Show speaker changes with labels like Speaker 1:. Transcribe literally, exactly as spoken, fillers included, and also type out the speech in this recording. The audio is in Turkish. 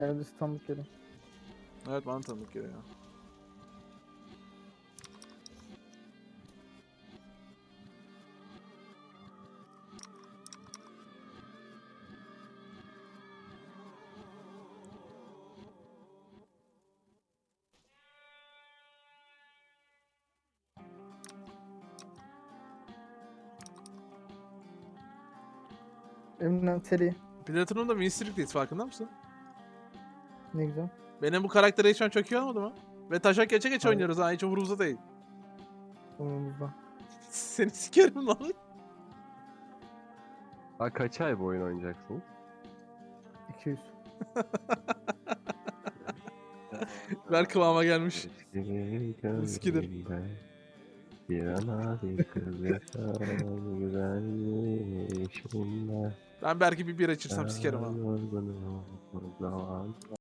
Speaker 1: Kendisi tanıdık geliyor.
Speaker 2: Evet, bana tanıdık geliyor.
Speaker 1: Eminem seri.
Speaker 2: Platinum'da Winstrik'teyiz, farkında mısın?
Speaker 1: Ne güzel.
Speaker 2: Benim bu karaktere şu an çok iyi olmadı mı? Ve taşak geçe geç
Speaker 1: Hayır.
Speaker 2: oynuyoruz ha, hiç umurumuzda değil.
Speaker 1: Umurumuzda.
Speaker 2: Seni sikerim lan.
Speaker 3: Ha, kaç ay bu oyun oynayacaksınız?
Speaker 1: iki yüz.
Speaker 2: Ver kıvama gelmiş.
Speaker 3: Eski
Speaker 2: Eskidir.
Speaker 3: gözlerinde bir ana bir kız yaşar güzel yeşilinde.
Speaker 2: Ben belki bir bira içirsem sikerim ha.
Speaker 3: Yorgunum o zaman.